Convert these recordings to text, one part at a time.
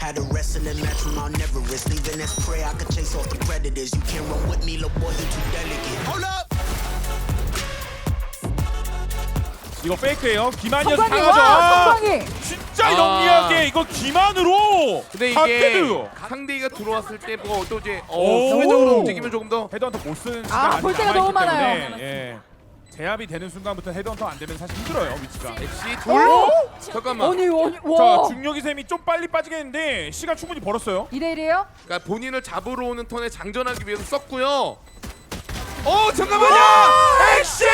Had a wrestling match from Mount Everest. Leaving as prey, I could chase off the predators. You can't run with me, little boy, you too delicate. Hold up! 이거 페이크예요. 기만이어서 성광이 당하죠. 와 성광이. 진짜 영리하게 이거 기만으로. 근데 다 이게 패드요. 상대가 들어왔을 때 뭐 또 이제 오. 수비적으로 움직이면 조금 더 헤드헌터 못 쓰는 시간 많이 볼 때가 남아있기 너무 많아요. 때문에, 예. 제압이 되는 순간부터 헤드헌터 안 되면 사실 힘들어요 위치가. 엑시 돌. 잠깐만. 아니 자 와. 중력이 셈이 좀 빨리 빠지겠는데 시간 충분히 벌었어요. 2대1이에요? 그러니까 본인을 잡으러 오는 턴에 장전하기 위해서 썼고요. 잠깐만요. 엑시!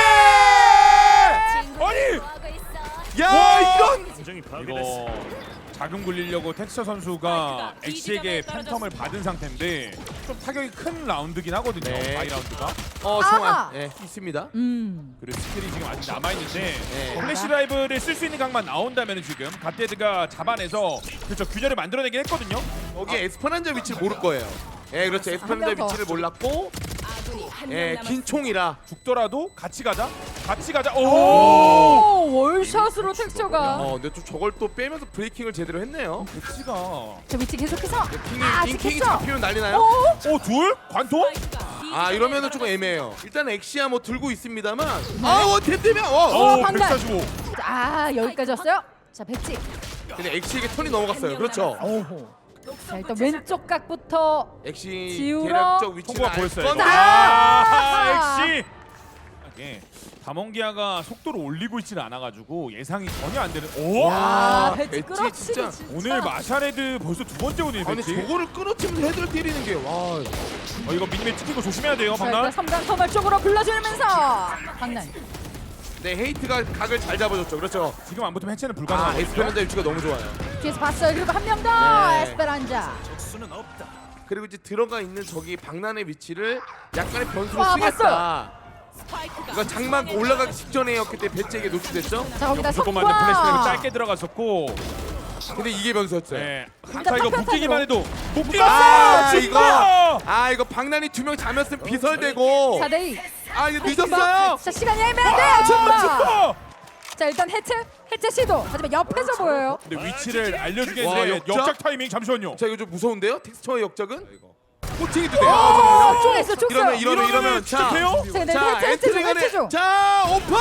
아니 야 이건 이거 자금 굴리려고 텍스처 선수가 엑시에게 팬텀을 받은 상태인데 좀 타격이 큰 라운드긴 하거든요. 네. 바이 라운드가. 아하. 정말 있습니다. 그리고 스킬이 지금 아직 남아있는데 네. 플래시 드라이브를 쓸 수 있는 각만 나온다면 지금 갓데드가 잡아내서 그렇죠 균열을 만들어내긴 했거든요. 여기 에스퍼란자 위치를 모를 거예요. 그렇죠. 에스퍼란자 명 더. 위치를 몰랐고 긴 총이라 죽더라도 같이 가자. 오! 오 월샷으로 텍스처가. 근데 또 저걸 또 빼면서 브레이킹을 제대로 했네요. 엑시가 저 위치 계속해서. 킹이 찍혔어. 잡히면 난리 나요. 오. 둘? 관통? 이러면은 조금 애매해요. 일단 엑시야 뭐 들고 있습니다만 템되면 판단. 145. 여기까지 왔어요. 자 백지. 근데 엑시에게 턴이 넘어갔어요. 그렇죠. 자 일단 왼쪽 각부터. 엑시 지우러. 대략적 위치는 통과 보였어요. 건데 엑시. 이게 다몽기아가 속도를 올리고 있지는 않아가지고 예상이 전혀 안 되는. 오! 아 배지 백지 끌어치기 진짜. 진짜. 오늘 마샤레드 벌써 두 번째 오네요. 아니 배지. 저거를 끊어치면서 헤드를 때리는 게 이거 미니맵 찍힌 거 조심해야 돼요, 자 일단 박난. 3단 터널 쪽으로 불러주면서 박난. 네, 헤이트가 각을 잘 잡아줬죠. 그렇죠. 지금 안 붙으면 해체는 불가능하거든요. 에스페란자 위치가 너무 좋아요. 뒤에서 봤어요. 그리고 한 명 더. 네. 에스페란자. 그리고 이제 들어가 있는 저기 박난의 위치를 약간의 변수로 와, 쓰겠다. 이거 장막 올라가기 직전이었기 때문에 배치에게 노출됐죠. 자 거기다 무조건 맞는 플래시를 성광. 짧게 들어갔었고. 근데 이게 변수였어요. 네. 일단 자 이거 파편탄으로. 묶이기만 해도 이거 박난이 두 명 잡혔으면 비설되고 4대2. 이거 늦었어요. 자 시간이 애매한데요. 줌바. 슈퍼! 자 일단 해체 시도. 하지만 옆에서 보여요. 근데 위치를 알려주게 와, 했는데 역작? 역작 타이밍 잠시만요. 자 이거 좀 무서운데요? 텍스처의 역적은 코칭이도 돼요. 쪼갰어 쪼갰어. 이러면 진짜 돼요? 자 해체 중 해체 중. 자 오픈.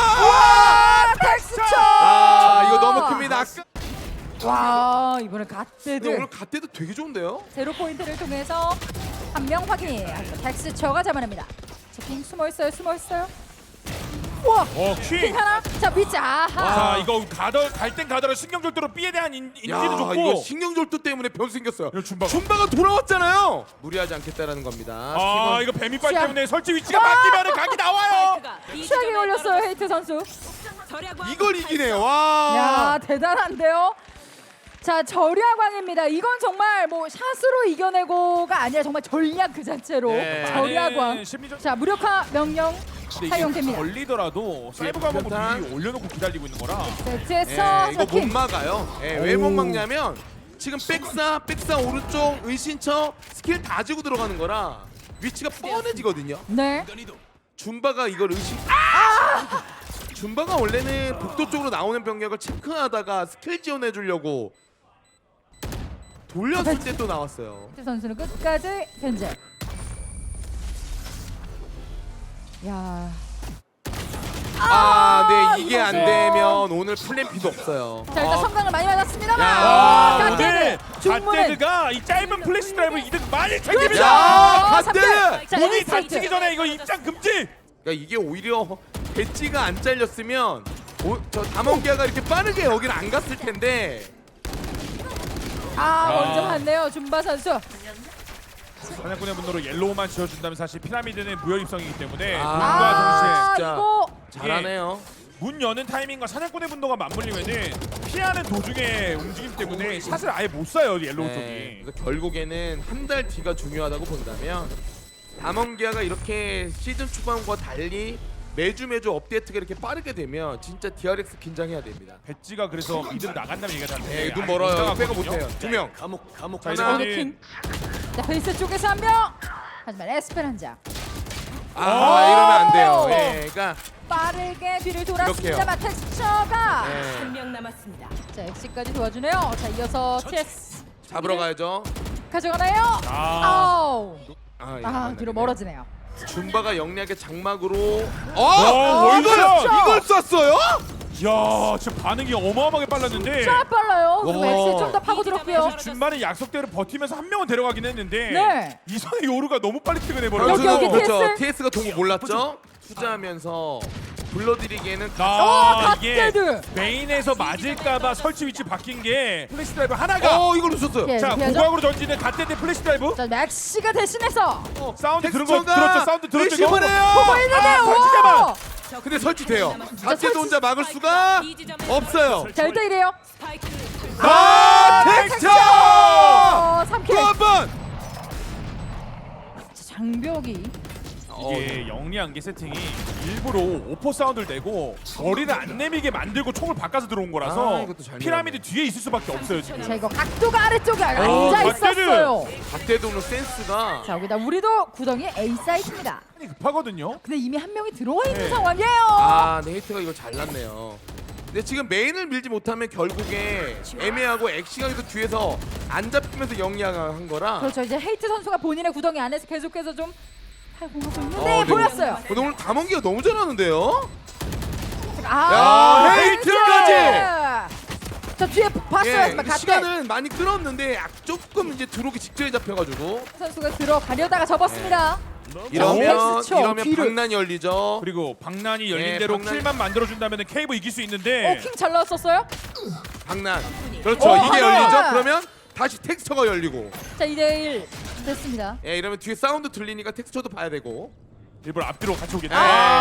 텍스처. 이거 너무 큽니다. 와 이번에 근데 갓데드. 오늘 갓대도 되게 좋은데요? 제로 포인트를 통해서 한 명 확인. 텍스처가 잡아냅니다. 킹 숨어 있어요. 와. 킹 킹. 하나. 자 위치 아하. 자 이거 갈땐 가더라 신경절도로 B에 대한 인지도 좋고. 이거 신경절도 때문에 변수 생겼어요. 이거 줌바가. 줌바가 돌아왔잖아요. 무리하지 않겠다라는 겁니다. 팀은 이거 뱀이빨 시작. 때문에 설치 위치가 바뀌면은 각이 나와요. 취하게 걸렸어요 헤이트 선수. 이걸 이기네요. 와. 야 대단한데요. 자 절야광입니다. 이건 정말 뭐 샷으로 이겨내고가 아니라 정말 전략 그 자체로 네. 절야광. 심리적. 자 무력화 명령 근데 이게 사용됩니다. 걸리더라도 사이버 가면 변탄. 미리 올려놓고 기다리고 있는 거라. 배치에서 이거 못 킹. 막아요. 왜 못 막냐면 지금 백사 오른쪽 은신처 스킬 다 지고 들어가는 거라 위치가 뻔해지거든요. 네. 줌바가 이걸 줌바가 원래는 복도 쪽으로 나오는 병력을 체크하다가 스킬 지원해 주려고 돌렸을 때 또 나왔어요. 헤이트 선수는 끝까지 견제. 야. 네 이게 안 이거죠. 되면 오늘 플랜 B도 없어요. 자 일단 성광을 많이 맞았습니다만. 야, 오늘 중문은. 갓데드가 이 짧은 플래시 드라이브 이득 많이 그렇죠. 챙깁니다. 갓데드! 자, 문이 에이스 닫히기 히트. 전에 이거 입장 금지. 그러니까 이게 오히려 배지가 안 잘렸으면 저 다몽기아가 이렇게 빠르게 여기를 안 갔을 텐데. 먼저 갔네요 줌바 선수. 사냥꾼의 분노로 옐로우만 지어준다면 사실 피라미드는 무혈 입성이기 때문에 아. 문과 진짜. 이거 잘하네요. 동시에 문 여는 타이밍과 사냥꾼의 분노가 맞물리면은 피하는 도중에 움직임 때문에 샷을 아예 못 쏴요 옐로우 쪽이. 그래서 결국에는 한 달 뒤가 중요하다고 본다면 다몽기아가 이렇게 시즌 초반과 달리 매주 업데이트가 이렇게 빠르게 되면 진짜 DRX 긴장해야 됩니다. 배지가 그래서 미드로 나간다는 얘기가 나는데 눈 멀어요. 빼고 못해요. 두 명. 자 하나. 이제 킹. 자 베이스 쪽에서 한 명. 하지만 에스페란자 이러면 안 돼요. 그러니까 빠르게 뒤를 돌았습니다만 텍스처가. 네. 한명 남았습니다. 자 엑시까지 도와주네요. 자 이어서 TS. 잡으러 가야죠. 가져가나요? 아, 아우. 예, 아, 안 뒤로 되네. 멀어지네요. 줌바가 영리하게 장막으로 월샷! 이걸 쐈어요? 야, 지금 반응이 어마어마하게 빨랐는데 쫙 빨라요. 그리고 와. 엑시 좀더 파고 들었고요. 준만의 약속대로 버티면서 한 명은 데려가긴 했는데 네. 이선의 요루가 너무 빨리 여기, 퇴근해버려서 여기 그렇죠. TS? TS가 동거 몰랐죠? 투자하면서 불러드리기에는 이게 갓데드. 메인에서 맞을까봐 설치 위치 바뀐 게 플래시 드라이브 하나가 이걸 놓쳤어요. 예. 자 피하죠? 고각으로 던지는 갓데드 플래시 드라이브 자, 맥시가 대신해서 사운드 들은 거 텍스처가 들었죠? 사운드 들었죠? 이거? 보고 리시버네요. 있는데요. 잠깐만. 오! 근데 설치돼요. 설치- 갓데드 혼자 막을 수가 없어요. 자, 1대1이에요. 텍스처! 3킬. 또 한 번. 장벽이 이게 영리한 게 세팅이 일부러 오퍼 사운드를 내고 머리를 안 내미게 만들고 총을 바꿔서 들어온 거라서 이것도 잘 피라미드 뒤에 있을 수밖에 없어요 지금. 자, 이거 각도가 아래쪽에 앉아 갓데드. 있었어요. 갓데드 오늘 센스가 자, 여기다 우리도 구덩이 A 사이트입니다. 급하거든요. 근데 이미 한 명이 들어와 있는 네. 상황이에요. 네이트가 이걸 잘랐네요. 근데 지금 메인을 밀지 못하면 결국에 애매하고 엑시가도 뒤에서 안 잡히면서 영리한 거라. 그렇죠. 이제 헤이트 선수가 본인의 구덩이 안에서 계속해서 좀 활공하고 있는데 네, 보였어요. 오늘 담원기가 너무 잘하는데요. 아, 야, 헤이트까지! 저 뒤에 봤어요. 하지만 갓데 시간은 많이 끌었는데 조금 이제 들어오기 직전에 잡혀가지고 선수가 들어가려다가 접었습니다. 이러면 텍스처, 뒤를. 방난이 열리죠. 그리고 방난이 열린 예, 대로 방난. 킬만 만들어준다면 케이브 이길 수 있는데 킹 잘 나왔었어요. 방난. 그렇죠. 오, 이게 하나. 열리죠. 그러면 다시 텍스처가 열리고. 자, 2대1 됐습니다. 예, 이러면 뒤에 사운드 들리니까 텍스처도 봐야 되고. 일부러 앞뒤로 같이 오겠네.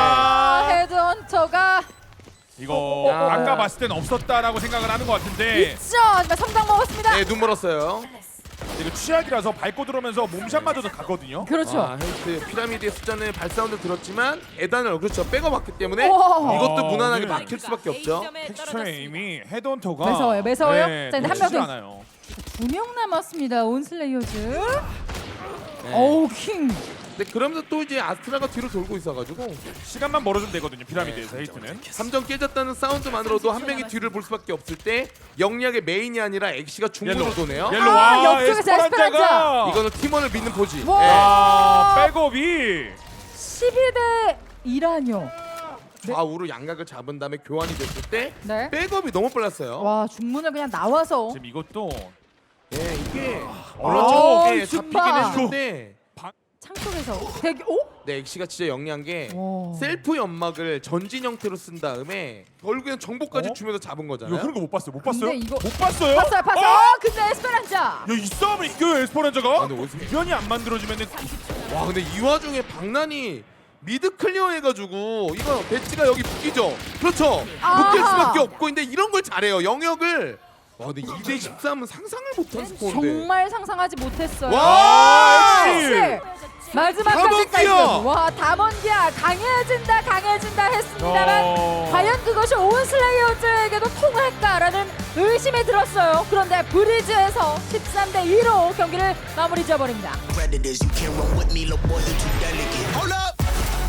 헤드헌터가 이거 야. 아까 봤을 땐 없었다라고 생각을 하는 것 같은데 있죠. 하지만 성당 먹었습니다. 네, 눈 멀었어요. 이거 취약이라서 밟고 들어오면서 몸샷마저도 갔거든요. 그렇죠. 헤이트 피라미드의 숫자는 발사운드 들었지만 에단을 그렇죠 빼고봤기 때문에 오. 이것도 아, 무난하게 오늘 막힐 수밖에 없죠. 텍스처의 이미 헤드헌터가 매서워요, 매서워요. 네, 자, 근데 한 놓치질 명 더. 않아요. 2명 남았습니다. 온슬레이어즈. 네. 어우, 킹. 근데 그러면서 또 이제 아스트라가 뒤로 돌고 있어가지고 시간만 벌어주면 되거든요. 피라미드에서 헤이트는. 3점 깨졌다는 사운드만으로도 한 명이 뒤를 볼 수밖에 없을 때 영리하게 메인이 아니라 엑시가 중앙으로 옐로우. 도네요. 옐로 아, 와 옆쪽에서 에스퍼란자가 이거는 팀원을 믿는 포지. 와. 아 백업이 12대 1라뇨. 좌우로 양각을 잡은 다음에 교환이 됐을 때 네. 백업이 너무 빨랐어요. 와, 중문을 그냥 나와서 지금 이것도 예, 이게 아, 물론 잡히긴 줌바. 했는데 창 속에서 대기. 오? 네, 엑시가 진짜 영리한 게 와. 셀프 연막을 전진 형태로 쓴 다음에 결국에는 정보까지 어? 주면서 잡은 이거 거잖아요. 그런 거 못 봤어요. 못 봤어요? 근데 이거- 못 봤어요? 봤어요, 봤어요. 어? 근데 에스페란자. 야, 이 싸움을 이겨요 에스퍼란자가? 근데 어디서- 변이 안 만들어지면은 와, 근데 이 와중에 박난이 미드 클리어 해가지고 이거 배치가 여기 묶이죠. 그렇죠. 아하. 묶일 수밖에 없고 근데 이런 걸 잘해요. 영역을. 와, 근데 2대 13은 상상을 못한 스코어인데. 정말 상상하지 못했어요. 와, 엑시. 마지막까지 담원기야. 와, 담원기야 강해진다 강해진다 했습니다만 과연 그것이 온슬레이어즈에게도 통할까라는 의심이 들었어요. 그런데 브리즈에서 13대 2로 경기를 마무리 지어버립니다. Predators, you can't run with me, little boy, you too delicate. Hold up!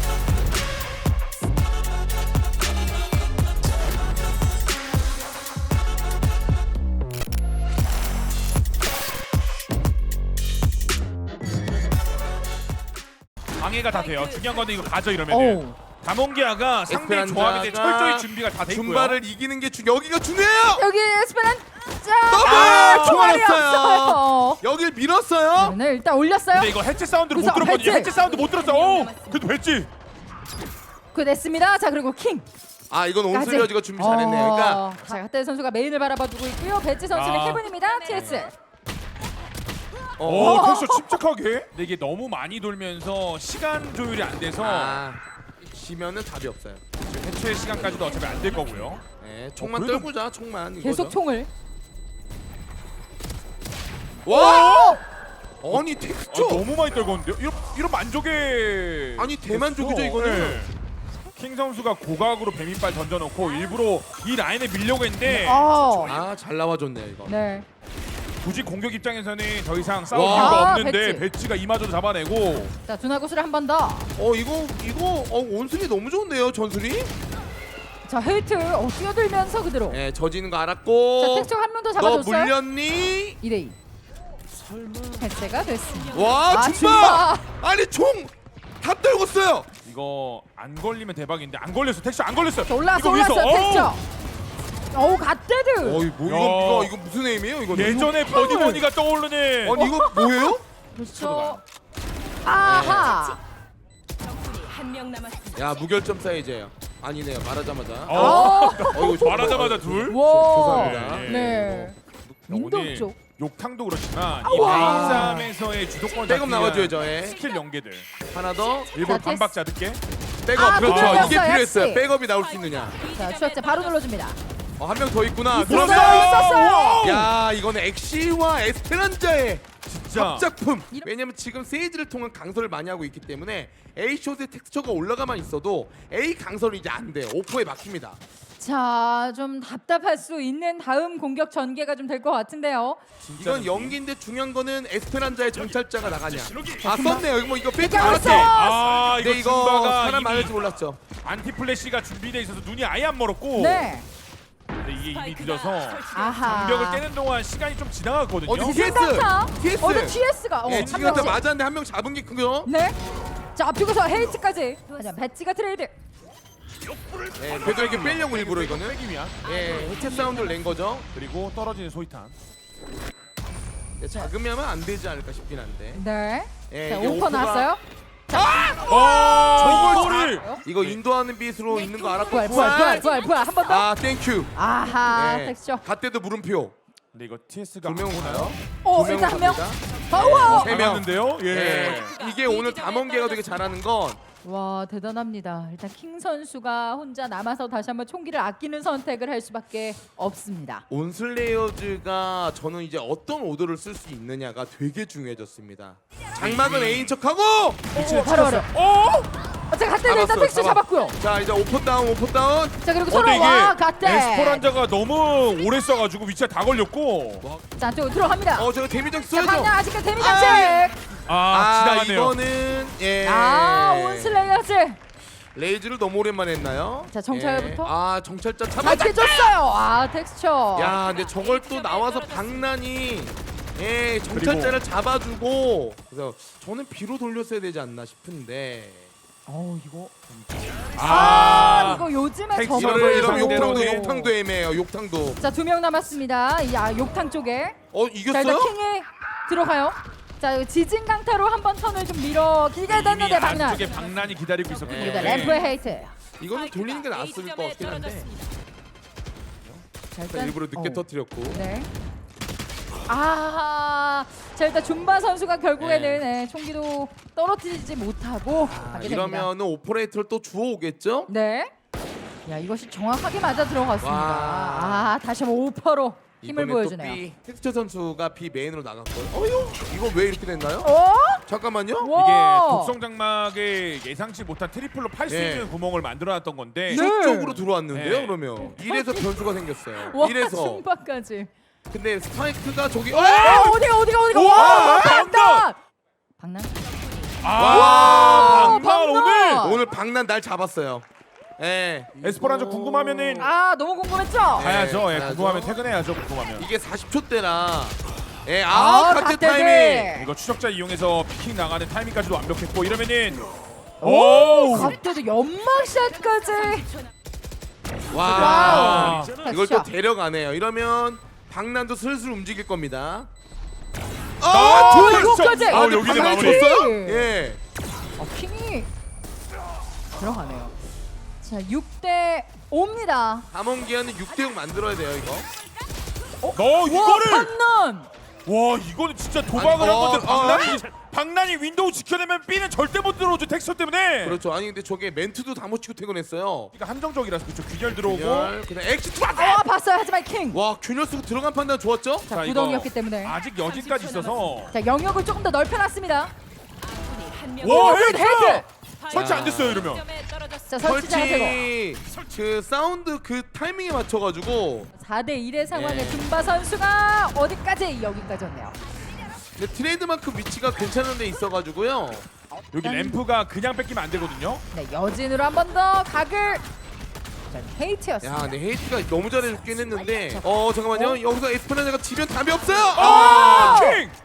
방해가 다 돼요. 중요한 건 이거 가져 오. 이러면은. 다몽기아가 상대 에스페란자가 조합인데 철저히 준비가 다 돼 있고요. 줌바를 이기는 게 여기가 중요해요. 여기 에스페란자 더블! 총알이 좋았어요. 없어요. 여길 밀었어요. 네, 일단 올렸어요. 근데 이거 해체 사운드를 못 그래서 들었거든요. 해체. 해체 사운드 못 들었어. 오, 그래도 했지. 그 됐습니다. 자, 그리고 킹. 아, 이건 온슬리어즈가 준비 잘했네요. 그러니까 자, 핫대 선수가 메인을 바라봐두고 있고요. 배지 선수는 아. 헤븐입니다. TS. 오, 텍스처 침착하게. 근데 이게 너무 많이 돌면서 시간 조율이 안 돼서 지면은 답이 없어요. 지금 해체 시간까지도 어차피 안 될 거고요. 네, 총만 그래도- 떨구자, 총만. 이거죠. 계속 총을. 와! 아니 아, 텍스처. 너무 많이 떨궜는데요? 이런 만족의 아니, 대만족이죠, 됐어. 이거는. 네. 킹 선수가 고각으로 뱀이빨 던져놓고 일부러 이 라인에 밀려고 했는데 아, 잘 나와줬네요 이거. 네. 굳이 공격 입장에서는 더 이상 싸울 와. 이유가 아, 없는데 배치. 배치가 이마저도 잡아내고 자, 두나구슬을 한 번 더. 이거 온순이 너무 좋은데요, 전술이? 자, 헤이트 뛰어들면서 그대로. 네, 저지는 거 자, 알았고. 텍스처가 한 명 더 너 잡아줬어요. 물렸니? 2대2. 해체가 됐습니다. 와 아, 줌바! 아니 총 다 떨궜어요. 이거 안 걸리면 대박인데 안 걸렸어. 텍스처 안 걸렸어. 올라왔어 이거 위에서, 올라왔어 어우! 텍스처. 어우 갓데드. 어이 뭐 이거 무슨 에임이에요? 이거 예전에 버디버니가 떠오르네. 아니 이거 뭐예요? 그렇죠. 아하. 적군이 한 명 남았습니다. 야 무결점 사이즈예요. 아니네요. 말하자마자. 어. 이거 말하자마자 둘. 와. 죄송합니다. 네. 윈도우 오늘 쪽. 욕탕도 그렇지만 와. 이 베인삼에서의 주도권 백업 나와줘야죠. 예. 스킬 연계들 하나 더. 일부러 자, 반박 자득게. 백업 아, 그렇죠. 그거였어요, 이게 필요했어요. 역시. 백업이 나올 수 있느냐. 자 추적자 바로 눌러줍니다. 한 명 더 있구나. 있었어요, 그러면 있었어요. 야 이거는 엑시와 에스페란자의 진짜 합작품. 이런- 왜냐면 지금 세이지를 통한 강설을 많이 하고 있기 때문에 A 숏의 텍스처가 올라가만 있어도 A 강설은 이제 안 돼요. 오퍼에 막힙니다. 자, 좀 답답할 수 있는 다음 공격 전개가 좀 될 것 같은데요. 이건 연기인데 중요한 거는 에스페란자의 정찰자가 나가냐. 아 썼네요. 이거 뭐 이거 빼지 이렇게 않았대. 왔어. 아 이거 근데 이거 줌바가 사람 이미 많을지 몰랐죠. 안티 플래시가 준비돼 있어서 눈이 아예 안 멀었고. 네. 근데 이게 이미 스파이크가 늦어서 아하. 장벽을 깨는 동안 시간이 좀 지나갔거든요. 어디 TS. TS. 어제 TS가 예, 한 지금 명씩. 맞았는데 한 명 잡은 게 크죠. 네. 자, 앞쪽에서 헤이트까지. 하지만 배지가 트레이드. 예, 그래도 이렇게 빼려고 일부러 이거는. 빼기 위한. 예, 해체 사운드를 낸 거죠. 그리고 떨어지는 소이탄. 예, 작으면 안 되지 않을까 싶긴 한데. 네. 예, 자, 이게 오퍼 오퍼가- 나왔어요. 저걸 이거 인도하는 빛으로 있는 거 알았고 부활 한 번 더. 아 땡큐. 아하, 예, 텍스처. 갓대도 물음표. 근데 이거 TS가 두 명 오나요? 오, 두 일단 한 명은 명. 갑니다. 파워. 세 명. 남았는데요. 예. 예. 이게 오늘 담원계가 되게 잘하는 건 와, 대단합니다. 일단 킹 선수가 혼자 남아서 다시 한번 총기를 아끼는 선택을 할 수밖에 없습니다. 온슬레이어즈가 저는 이제 어떤 오더를 쓸 수 있느냐가 되게 중요해졌습니다. 장막은 A인 척하고 오, 바로. 어? 자, 갓데드 일단 잡았어, 텍스처 잡아. 잡았고요. 자 이제 오퍼 다운. 자, 그리고 근데 서로 이게 와, 갓데. 에스퍼란자가 너무 오래 써가지고 위치가 다 걸렸고. 자, 안쪽으로 들어갑니다. 제가 데미지 자, 써야죠. 방향 아직까지 데미 장식. 지나가네요. 이거는 예. 온슬레이어즈. 레이즈를 너무 오랜만에 했나요? 자, 정찰부터? 아 정찰자 잘 잡았다. 해줬어요. 텍스처. 야 근데 저걸 또 나와서 박난이 예 정찰자를 잡아주고 그래서 저는 B로 돌렸어야 되지 않나 싶은데 이거. 이거 요즘에 텍스처를 저걸 이러면 상대로는 욕탕도 애매해요. 욕탕도 자, 2명 남았습니다. 욕탕 쪽에. 자, 일단 이겼어요? 킹이 들어가요. 자, 지진 강타로 한번 턴을 좀 밀어 길게 됐는데 박난. 안쪽에 박난이 기다리고 있었거든요. 네. 여기다 램프의 헤이트. 이거는 돌리는 게 나았을 것 같긴 한데 자, 일단 일부러 늦게 어. 터뜨렸고 네. 자, 일단 줌바 선수가 결국에는 총기도 떨어뜨리지 못하고 가게 됩니다. 이러면은 오퍼레이터를 또 주워오겠죠? 네. 야, 이것이 정확하게 맞아 들어갔습니다. 와. 다시 한번 오퍼로 힘을 이번에 보여주네요. 또 B 텍스처 선수가 B 메인으로 나갔고요. 이거 왜 이렇게 됐나요? 어? 잠깐만요. 와. 이게 독성 장막에 예상치 못한 트리플로 팔 수 예. 있는 구멍을 만들어놨던 건데. 네. 이쪽으로 들어왔는데요. 네. 그러면 이래서 변수가 생겼어요. 와, 이래서 줌바까지. 근데 스파이크가 저기 어디가? 와, 와, 박난! 박난. 박난 박난! 오늘 오늘 박난 날 잡았어요. 예. 에스퍼란자 궁금하면은 너무 궁금했죠? 가야죠. 예, 가야죠. 궁금하면 퇴근해야죠. 궁금하면. 이게 40초 때라 예, 갓데드. 카트 타이밍. 이거 추적자 이용해서 피킹 나가는 타이밍까지도 완벽했고 이러면은 오! 갑자기 연막샷까지. 와. 와우. 이걸 또 자, 데려가네요. 이러면 박난도 슬슬 움직일 겁니다. 이거까지. 여기서 박난이 마무리. 줬어요? 예. 킹이 들어가네요. 자, 6대 5입니다. 담원기아는 6대6 만들어야 돼요, 이거. 너 이거를 박난. 와 이거는 진짜 도박을 아니, 한 건데 박난이 윈도우 지켜내면 B는 절대 못 들어오죠 텍스처 때문에. 그렇죠. 아니 근데 저게 멘트도 다 못 치고 퇴근했어요. 그러니까 한정적이라서 그렇죠. 균열 들어오고. 그냥 엑시트 봤어요. 하지만 킹. 와 균열 쓰고 들어간 판단 좋았죠? 자, 자, 이거 구덩이였기 때문에. 아직 여진까지 있어서. 자, 영역을 조금 더 넓혀놨습니다. 와 헤이트! 헤이트! 설치 안 됐어요 이러면. 자, 설치자가 되고. 그 사운드 그 타이밍에 맞춰가지고 4대 1의 상황에 네. 줌바 선수가 어디까지 여기까지였네요. 근데 트레이드마크 위치가 괜찮은 데 있어가지고요. 여기 램프가 그냥 뺏기면 안 되거든요. 네, 여진으로 한 번 더 각을. 자, 헤이트였습니다. 야 근데 헤이트가 너무 잘해줬긴 했는데 잠깐만요. 여기서 에스페란자가 지면 답이 없어요. 킹!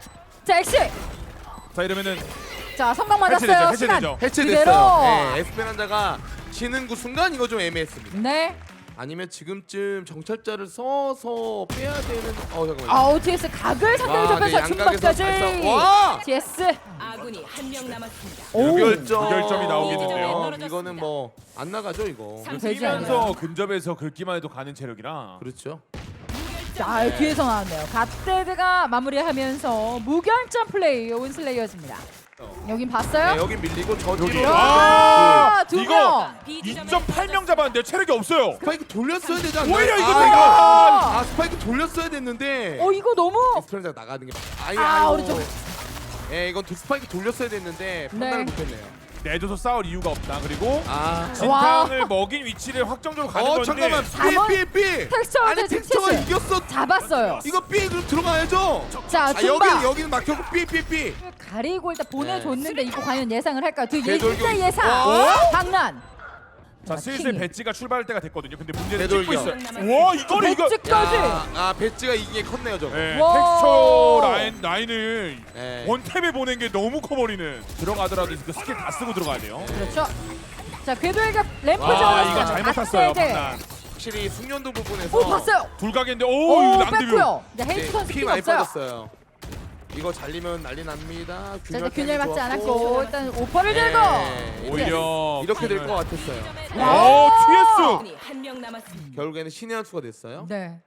자 엑시. 자 이러면은 자 성광 맞았어요. 해체되죠, 시간 해체되죠. 해체됐어요. 그대로. 네, 에스페란자가 지는 그 순간 이거 좀 애매했습니다. 네. 아니면 지금쯤 정찰자를 써서 빼야 되는. 잠깐만요. 아우 TS 각을 상대로 와, 접해서 네, 양각에서 중반까지. 잘 싸워. 와! TS. 아군이 한 명 남았습니다. 무결점이 나오겠는데요. 이거는 뭐 안 나가죠 이거. 되지 않아요. 뛰면서 근접해서 긁기만 해도 가는 체력이라. 그렇죠. 자 뒤에서 나왔네요. 갓데드가 마무리하면서 무결점 플레이 온슬레이어즈입니다. 여긴 봤어요? 네, 여기 밀리고 저 여기. 뒤로. 와, 둘. 두 이거 명. 2.8명 잡았는데 체력이 없어요. 스파이크 돌렸어야 되지 않나요? 오히려 이거 내가. 스파이크 돌렸어야 됐는데. 이거 너무. 에스페란자가 나가는 게. 오른쪽. 예, 이건 스파이크 돌렸어야 됐는데 판단을 네. 못했네요. 내줘서 싸울 이유가 없다. 그리고 아. 진탕을 먹인 위치를 확정적으로 가는 건데. 잠깐만. 잠원- B. 텍스처가 아니 지금 텍스처가 TS. 이겼어. 잡았어요. 이거 B 그럼 들어가야죠. 자 중반. 여기는 막혔고 B. 가리고 일단 보내줬는데 이거 과연 예상을 할까요? 그 되돌격. 진짜 예상. 와. 장난. 자 슬슬 킹이. 배지가 출발할 때가 됐거든요. 근데 문제는 되돌격. 찍고 있어요. 와 이거를 이거. 배지까지. 배지가 이게 컸네요 저거. 네, 와. 텍스처 라인을 네. 원탭에 보낸 게 너무 커버리는. 들어가더라도 그 스킬 다 쓰고 들어가야 돼요. 그렇죠. 자 궤도일격 램프 와 지어놨어요. 이거 잘못 탔어요. 갓데드. 판단. 확실히 숙련도 부분에서. 오 봤어요. 둘각인데 오 오 낭드뷰. 뺐고요. 네, 헤이트 선수 피 픽 많이 없어요. 빠졌어요. 이거 잘리면 난리 납니다. 자 일단 균열 맞지 좋았고. 않았고 일단 오퍼를 들고. 네. 오히려 이렇게 될 것 같았어요. 오 TS. 아군이 한 명 남았습니다. 결국에는 신의 한 수가 됐어요. 네.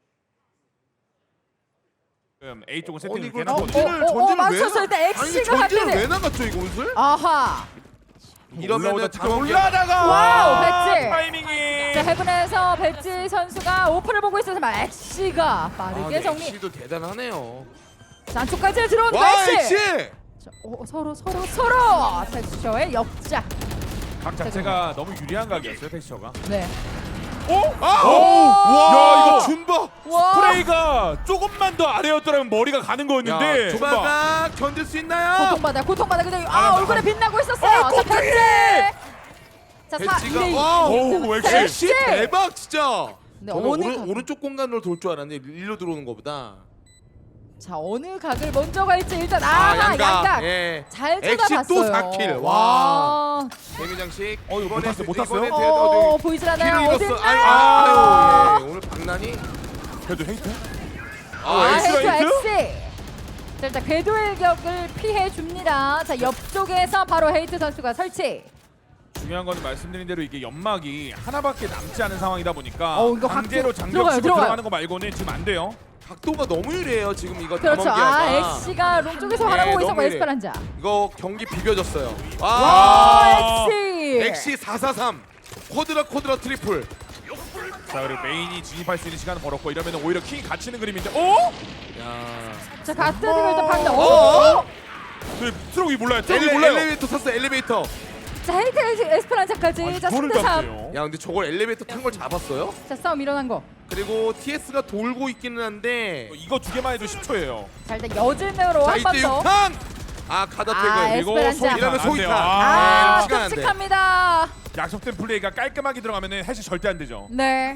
지금 A 쪽은 아니 세팅을 이걸 해놨거든요. 전진을 맞췄어요. 일단 아니 엑시가 전진을 갓데드. 왜 나갔죠 이거 옷을? 아하. 이러면은 지금 장원기가- 올라다가 와우, 배지. 타이밍이. 자 헤븐에서 배지 선수가 오퍼를 보고 있어서 엑시가 빠르게 정리. 엑시도 대단하네요. 자 안쪽까지 들어온 와 엑시. 엑시! 자, 서로 텍스처의 역작. 각 자체가 너무 유리한 각이었어요 텍스처가. 네. 오? 아! 오! 야 이거 와! 준바! 와. 프레이가 조금만 더 아래였더라면 머리가 가는 거였는데. 준바가 견딜 수 있나요? 고통받아. 근데 아, 얼굴에 빛나고 있었어요. 자 깜짝이야. 배지. 자 배지가 4-2. 와! 오 엑시. 엑시 대박 진짜. 네, 저는 어느 각- 오른쪽 공간으로 돌 줄 알았는데 일로 들어오는 것보다. 자 어느 각을 먼저 갈지 일단 양각. 예. 잘 엑시 쳐다봤어요. 또 4킬. 와. 데미장식. 이거 못 탔어요? 못 탔어요? 어 보이질 않아요. 킬을 어디 잃었어. 있나요? 예. 오늘 박난이. 그래도 헤이트? 헤이트 헤이트? 엑시. 자 일단 궤도의 격을 피해 줍니다. 자 옆쪽에서 바로 헤이트 선수가 설치. 중요한 건 말씀드린 대로 이게 연막이 하나밖에 남지 않은 상황이다 보니까 이거 강제로 각도- 장벽 들어가요, 치고 들어가요. 들어가는 거 말고는 지금 안 돼요. 각도가 너무 유리해요 지금 이거 그렇죠. 담원기아가. 엑시가 롱 쪽에서 네, 바라보고 있었고 너무 이래. 에스페란자. 이거 경기 비벼졌어요. 와 엑시. 엑시 443 쿼드라 트리플. 자 그리고 메인이 진입할 수 있는 시간을 벌었고 이러면 오히려 킹이 갇히는 그림인데 오? 야. 자 갓데드가 일단 방다. 어? 오. 그 트럭이 몰라요. 트럭이 몰라요. 엘리베이터 탔어 엘리베이터. 자 헤이트 에스페란자까지. 자 이거를 3대3. 잡네요. 야 근데 저걸 엘리베이터 탄 걸 잡았어요? 자 싸움 일어난 거. 그리고 TS가 돌고 있기는 한데. 이거 두 개만 해도 10초예요. 자 일단 여진으로 자 한 번 이때 더. 6탄. 가다 아, 퇴근. 그리고 에스페란자. 이러면 안 돼요. 소이탄. 아 시간 안 돼. 끔찍합니다. 약속된 플레이가 깔끔하게 들어가면 해시 절대 안 되죠. 네.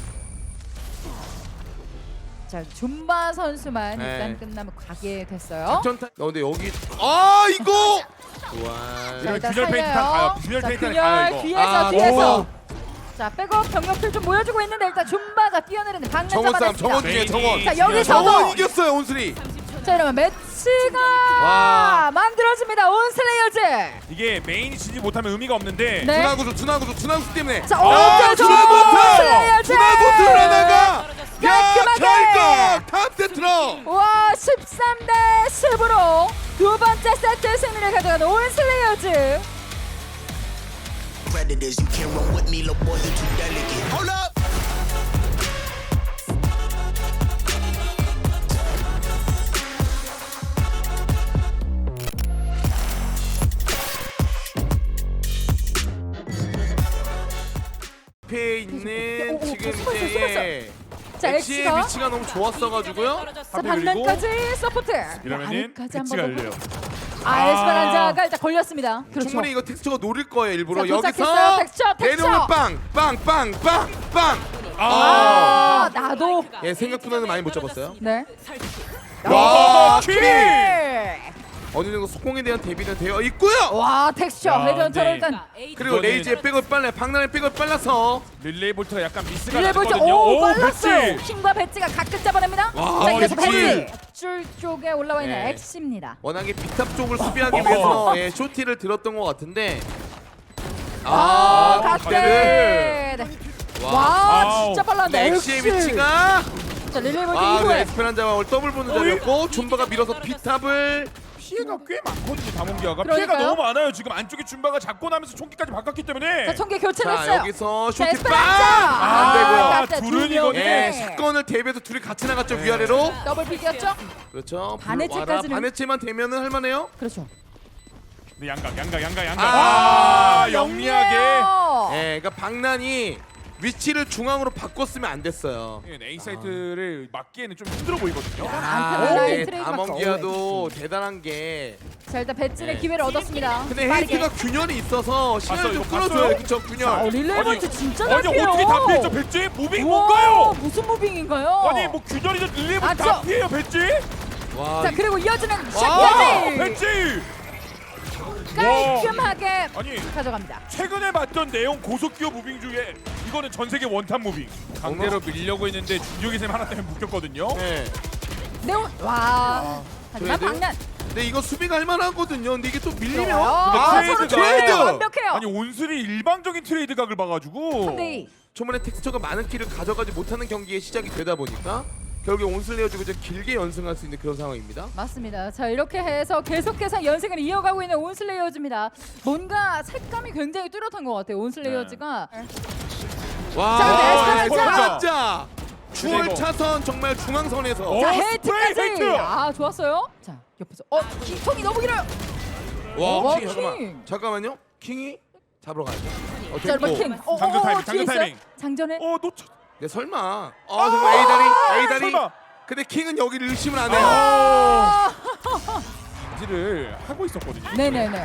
자 줌바 선수만 네. 일단 끝나면 가게 됐어요. 작전탄. 근데 여기 이거. 자 이러면 일단 균열 페인트 살려요. 가요. 균열 자 페인트 균열 가요, 이거. 뒤에서 아, 뒤에서. 오. 자 백업 병력들 좀 모여주고 있는데 일단 줌바가 뛰어내리는 방면 정원 싸움 잡아냈습니다. 정원 중에 정원. 자 여기서 정원 이겼어요 온슬이. 자 이러면 매치가 와. 만들어집니다. 온슬레이어즈. 이게 메인이 지지 못하면 의미가 없는데 네. 준하구수 때문에. 자 아, 오른쪽 준하구수 온슬레이어즈. 하나가. 야 깔끔하게. 결국 탑 세트로. 와 13대 10으로 두 번째 세트 승리를 가져간 온슬레이어즈. Predators, you can't run with me, little boy, you too delicate. Hold up! 앞에 있는 오, 지금 숨었어, 이제 자 엑시의 엑시가 위치가 너무 좋았어가지고요. 자 반면까지 서포트. 이러면은 아래까지 배치가 한번 열려요. 에스페란자가 일단 걸렸습니다. 그렇죠. 충분히 이거 텍스처가 노릴 거예요 일부러. 자, 도착했어요. 여기서 텍스처. 내려오면 빵빵빵빵빵. 아 나도. 예 생각보다는 많이 못 잡았어요. 네. 설치. 와, 킬! 어느 정도 속공에 대한 대비는 되어 있고요. 와 텍스처 야, 헤드헌터를 네. 일단 그리고 이거는- 레이지의 백을 빨라, 박나의 백을 빨라서 릴레이 볼트가 약간 미스가 릴레이볼트 났거든요. 오 빨랐어요. 배치! 킹과 배지가 가끔 잡아냅니다. 와, 자 이래서 배지! 배지 줄 쪽에 올라와 있는 네. 엑시입니다. 워낙에 비탑 쪽을 수비하기 어허. 위해서 예, 쇼티를 들었던 것 같은데 아 갓데드. 갓데드. 와, 와 아우. 진짜 빨랐네. 엑시의 위치가 자 릴레이볼트 아, 네, 이후에 에스페란자와 오늘 더블 보는 자리였고 줌바가 밀어서 피탑을 피해가 꽤 많거든요. 다몽기아가 그러니까요. 피해가 너무 많아요. 지금 안쪽에 줌바가 잡고 나면서 총기까지 바꿨기 때문에. 자 총기 교체를 자 했어요. 여기서 자, 쇼티 에스페란자! 빵! 안 되고요. 아, 갓데드 둘은 두 이거는- 명이. 예, 사건을 대비해서 둘이 같이 나갔죠 위아래로. 더블 픽이었죠? 그렇죠. 반해체까지는- 반해체만 되면은 할만해요. 그렇죠. 네, 양각. 아, 영리하게. 영리해요. 예, 그러니까 박난이 위치를 중앙으로 바꿨으면 안 됐어요. A 사이트를 막기에는 좀 힘들어 보이거든요. 안타는 네, 라인 트레이드 다몽기아도 대단한 게 자 일단 배지의 네. 기회를 얻었습니다. 근데 빠르게. 헤이트가 균열이 있어서 시간을 좀 이거 끌어줘요. 봤어요? 그쵸 자, 균열. 릴레이볼트 진짜 아니 잘 피해요. 어떻게 다 피했죠 배지? 무빙 우와, 뭔가요? 무슨 무빙인가요? 아니 뭐 균열이죠 릴레이 아, 다 저- 피해요 배지? 와, 자 그리고 이어지는 아 샷까지 배지! 깔끔하게 아니 가져갑니다. 최근에 봤던 내용 고속기어 무빙 중에 이거는 전 세계 원탑 무빙. 강제로 밀려고 했는데 중력의 셈 하나 때문에 묶였거든요. 네. 네온 와. 하지만 그래도? 박난 근데 이거 수비가 할만하거든요. 근데 이게 또 밀리면 근데 아, 서로 트레이드가- 트레이드 완벽해요. 아니 온슬이 일방적인 트레이드 각을 봐가지고 3대2 초반에 텍스처가 많은 킬을 가져가지 못하는 경기에 시작이 되다 보니까 결국에 온슬레어주고 이제 길게 연승할 수 있는 그런 상황입니다. 맞습니다. 자 이렇게 해서 계속해서 연승을 이어가고 있는 온슬레이어즈입니다. 뭔가 색감이 굉장히 뚜렷한 것 같아요. 온슬레이어즈가 와, 자, 에스페란자 추월 그리고- 차선 정말 중앙선에서 어, 자 스프레이 헤이트까지 헤이트! 아 좋았어요. 자 옆에서 킹통이 너무 길어요. 와, 킹. 킹 잠깐만요. 킹이 잡으러 가야죠. 자 여러분 됐고. 킹. 장전 타이밍, 뒤에 장전 있어요? 타이밍. 장전에 놓쳐. 네, 설마. 정말 A 다리. 설마. 근데 킹은 여기를 의심을 안 해요. 지를 하고 있었거든요. 네네네.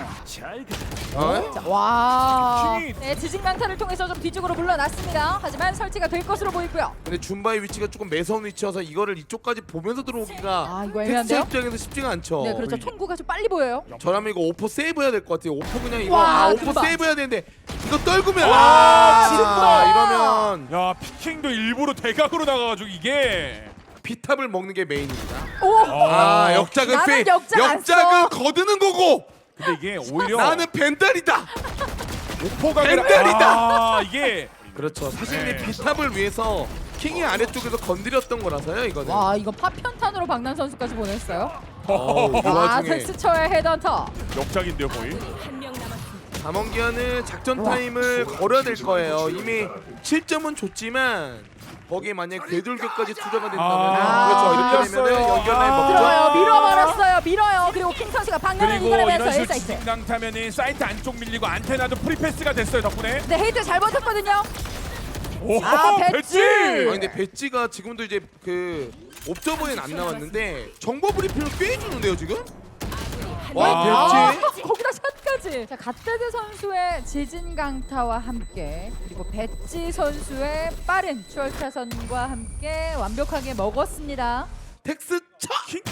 어? 자, 와. 킹이- 네, 지진강타를 통해서 좀 뒤쪽으로 물러났습니다. 하지만 설치가 될 것으로 보이고요. 근데 줌바의 위치가 조금 매서운 위치여서 이거를 이쪽까지 보면서 들어오기가 아, 이거 텍스처 애매한데요? 입장에서 쉽지가 않죠. 네, 그렇죠. 총구가 좀 빨리 보여요. 저라면 이거 오퍼 세이브해야 될 것 같아요. 오퍼 그냥 이거 와, 오퍼 금방. 세이브해야 되는데 이거 떨구면 진짜. 이러면 야 피킹도 일부러 대각으로 나가가지고 이게 피탑을 먹는 게 메인입니다. 오! 아, 역작은 나는 페이. 역작 안 역작은 써. 거두는 거고 근데 이게 오히려 나는 벤달이다. 오퍼가 벤달이다. 아 이게 그렇죠. 사실 이 네. 비탑을 위해서 킹이 아래쪽에서 건드렸던 거라서요. 이거는. 와, 이거 파편탄으로 박난 선수까지 보냈어요. 이 아, 와중에 텍스처의 헤드헌터. 역작인데요 거의. 한 명 남았습니다. 담원기아는 작전 타임을 걸어야 될 거예요. 이미 7점은 줬지만 거기에 만약 궤돌격까지 투자가 된다면 그렇죠. 이렇게 되면 밀렸어요. 연결에 아. 먹죠. 들어요. 밀어버렸어요. 밀어요. 그리고 킹 선수가 박난을 그리고 이겨내면서 이런 식으로 1사이트. 진강 타면은 사이트 안쪽 밀리고 안테나도 프리패스가 됐어요 덕분에. 네, 헤이트 잘 버텼거든요. 오 아, 배지! 아 근데 배지가 지금도 이제 그 옵저버엔 안 나왔는데 정보 브리핑을 꽤 해주는데요 지금? 와 아, 배지 거기다 샷까지. 자, 갓데드 선수의 지진 강타와 함께 그리고 배지 선수의 빠른 추월차선과 함께 완벽하게 먹었습니다. 텍스 차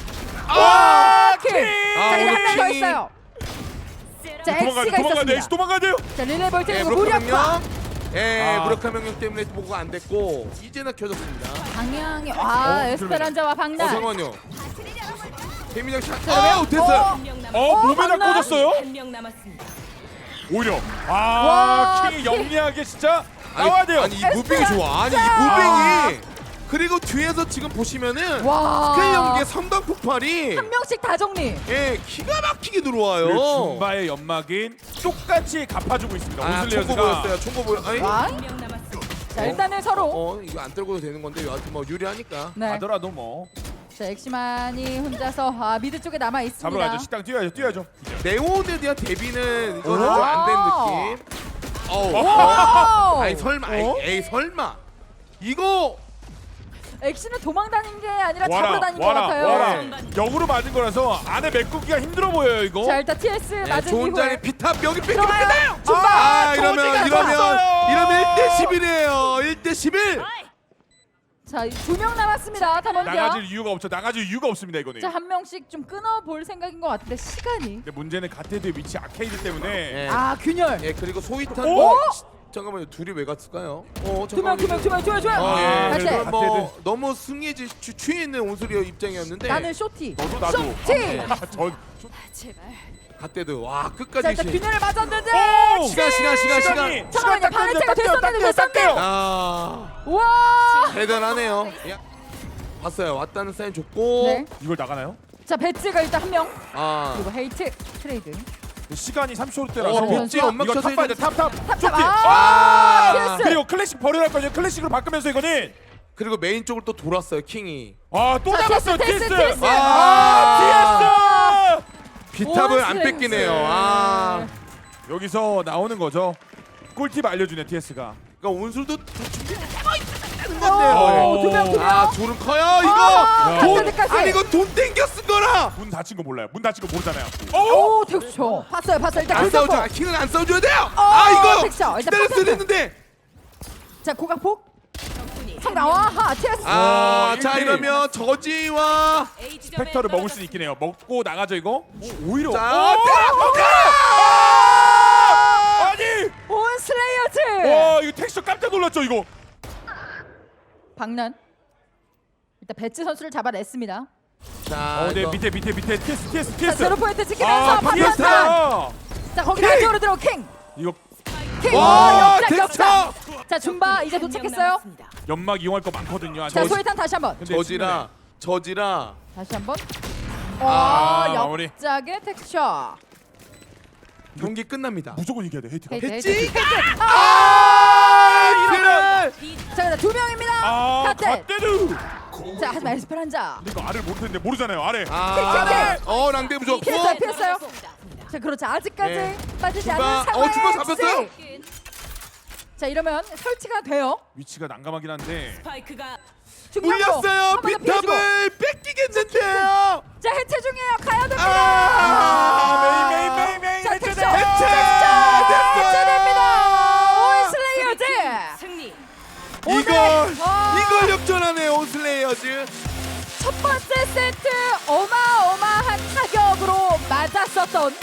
아, 킬! 아, 자, 이제 오늘 한 명 더 킹이- 있어요. 자, 도망가야 돼 엑시가 도망가야 돼 있었습니다. 도망가야 돼요. 자, 릴레이볼트 예, 그리고 무력화 무력화. 명령 예 아. 무력화 명령 때문에 보고가 안 됐고 이제나 켜졌습니다. 방향이 와, 에스페란자와 박난. 잠깐만요. 개미장 샷. 자, 아 됐어요. 한 명 남았습니다. 몸에다 박난. 꽂았어요. 한 명 남았습니다. 오히려 와, 킹이 킹. 영리하게 진짜 나와야 돼요. 아니 이 무빙이 좋아. 아니 이 에스페란자. 무빙이 그리고 뒤에서 지금 보시면은 와. 스케일 연계 성당 폭발이 한 명씩 다 정리. 예 기가 막히게 그리고 들어와요. 줌바의 연막인 똑같이 갚아주고 있습니다. 아 총고 온슬레어즈가. 보였어요. 총고 보여. 아니 와. 한 명 남았습니다. 자, 일단은 서로 이거 안 떨고도 되는 건데 여하튼 뭐 유리하니까. 네. 하더라도 뭐 자, 엑시만이 혼자서 미드 쪽에 남아 잡으러 있습니다. 가야죠. 식당 뛰어야죠. 네온에 대한 대비는 이거는 오. 좀 안 된 느낌. 어우. 오! 아니 설마. 에이 설마. 이거 엑시는 도망 다닌 게 아니라 잡으러 다닌 것 같아요. 와라. 역으로 맞은 거라서 안에 메꾸기가 힘들어 보여요 이거. 자, 일단 TS 맞은 좋은 자리 이후에 비탑 여기 뺏기면 들어가요. 끝나요. 줌바! 아 조지가 이러면 좋았어요. 1대 11이에요. 1대 11. 자, 2명 남았습니다. 담원기아. 나가질 이유가 없죠. 나가질 이유가 없습니다 이거는. 자, 한 명씩 좀 끊어볼 생각인 것 같은데 시간이. 근데 문제는 갓데드의 위치 아케이드 때문에 예. 아, 균열. 예, 그리고 소이탄 오! 잠깐만요. 둘이 왜 갔을까요? 두 명. 아, 다시. 그래도 뭐 너무 승리에 취해 있는 온수리어 입장이었는데 나는 쇼티. 나도. 쇼티. 전 제발. 갓데드 와 자, 끝까지 일단 신. 균열을 맞았는데. 오! 시간. 잠깐만요. 방해체가 됐었는데 됐었대요. 아 와. 대단하네요. 야, 봤어요. 왔다는 사인 줬고. 네. 이걸 나가나요? 자, 배지가 일단 한 명. 아 그리고 헤이트 트레이드. 시간이 30초대라서 배지 연막 이거 쳐서 탑 봐야 돼. 탑. 탑탑. 쇼티. 아, TS. 그리고 클래식 버려야 할 거예요. 클래식으로 바꾸면서 이거는 그리고 메인 쪽으로 또 돌았어요. 킹이. 또 자, 잡았어요. TS. TS. 아, TS. 비탑을 안 원스레이스. 뺏기네요. 아 여기서 나오는 거죠. 꿀팁 알려주네 TS가. 그러니까 온술도 준비 오, 두 명. 아 졸은 커요 이거. 아, 돈 갓데드까지. 아니 이거 돈 땡겨 쓴 거라. 문 닫힌 거 몰라요. 문 닫힌 거 모르잖아요. 오, 텍스처. 봤어요. 일단 안 골키퍼. 싸우죠. 킹은 안 싸워줘야 돼요. 아 이거 텍스처. 일단 기다렸어야 포텐트. 됐는데. 자, 고각폭. 적군이 성 나와. 하, TS. 자 일대일. 이러면 저지와 A 지점에 스펙터를 먹을 수 떨어졌습니다. 있긴 해요. 먹고 나가죠 이거. 오히려. 자 아니. 온 슬레이어즈. 와 이거 텍스처 깜짝 놀랐죠 이거. 박난. 일단 배치 선수를 잡아냈습니다. 자 네 이거. 밑에 TS. 자, 제로 포인트 찍히면서 박난다. TS다. 자, 거기 킹! 안쪽으로 들어 킹. 이거 킹. 와, 역작. 텍스처! 자, 줌바 이제 한명 도착했어요. 남았습니다. 연막 이용할 거 많거든요. 자, 소이탄 다시 한번. 근데 저지라 다시 한번. 마무리. 역작의 텍스처. 경기 끝납니다. 무조건 이겨야 돼 헤이트가. 헤이트. 그래. 자, 그다음 두 명입니다. 카텔. 갓데드. 자, 하지만 에스페란자. 근데 이거 아래를 모르는데 모르잖아요 아래. 랑데 무조건. 피했어요, 피했어요. 자, 그렇죠. 아직까지 네. 빠지지 줌바. 않은 상황. 줌바 잡혔어요? 자, 이러면 설치가 돼요. 위치가 난감하긴 한데. 스파이크가 중간으로. 물렸어요. 한번더 피해주고. 비탑을 뺏기겠는데요. 자, 해체 중이에요. 가야 됩니다. 메인 자, 해체돼. 텍스처. 해체됩니다. 올 슬레이어즈. 승리. 이걸 역전하네요. 온슬레이어즈. 첫 번째 세트 어마어마한 타격으로 맞았었던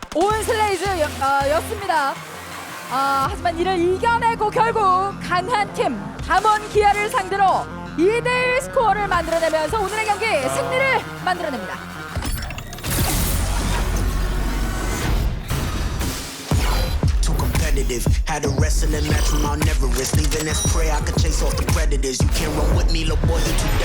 온슬레이즈였습니다. 하지만 이를 이겨내고 결국 강한 팀 담원기아를 상대로 2대1 스코어를 만들어내면서 오늘의 경기 승리를 만들어냅니다. Too competitive. Had a wrestling match from Mount Everest. Leaving as prey, I could chase off the predators. You can't run with me, little boy, you too